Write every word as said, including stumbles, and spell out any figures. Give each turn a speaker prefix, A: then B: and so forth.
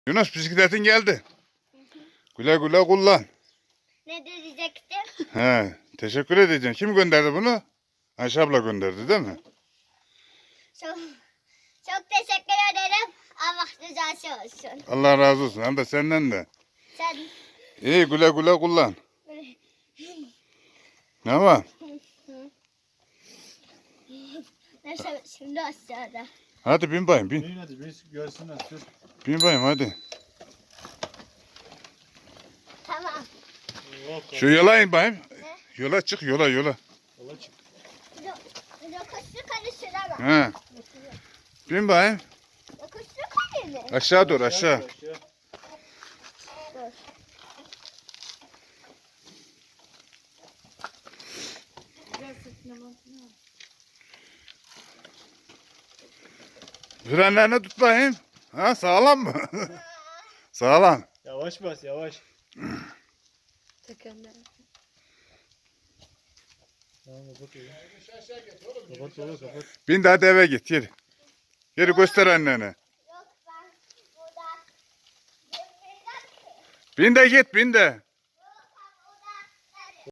A: Yunus bisikletin geldi. Güle güle kullan.
B: Ne diyecektim?
A: He, teşekkür edeceğim. Kim gönderdi bunu? Ayşe abla gönderdi değil mi?
B: Çok, çok teşekkür ederim. Allah rızası olsun.
A: Allah razı olsun. Hem de senden de.
B: Sen
A: İyi güle güle kullan. Ne var?
B: neyse şimdi aşağıda.
A: Hadi bin bayım bin.
C: Bin hadi biz görsünler. Sür.
A: Bin bayım hadi.
B: Tamam.
C: Oh,
A: Şu yola in bayım. Yola çık yola yola.
C: Yola çık.
B: Yokuşlu karıştıramam.
A: He. Bin bayım.
B: Yokuşlu karı mı?
A: Aşağı doğru aşağı.
C: Aşağı.
B: Dur.
A: Frenlerini tut bayım. Ha sağlam mı? Sağlam.
C: Yavaş bas yavaş.
D: Tekerler.
C: Tamam kapat oğlum. Kapat oğlum kapat.
A: Bin de hadi eve git yürü. Yürü göster annene.
B: Yok ben burada.
A: Bin de git bin de.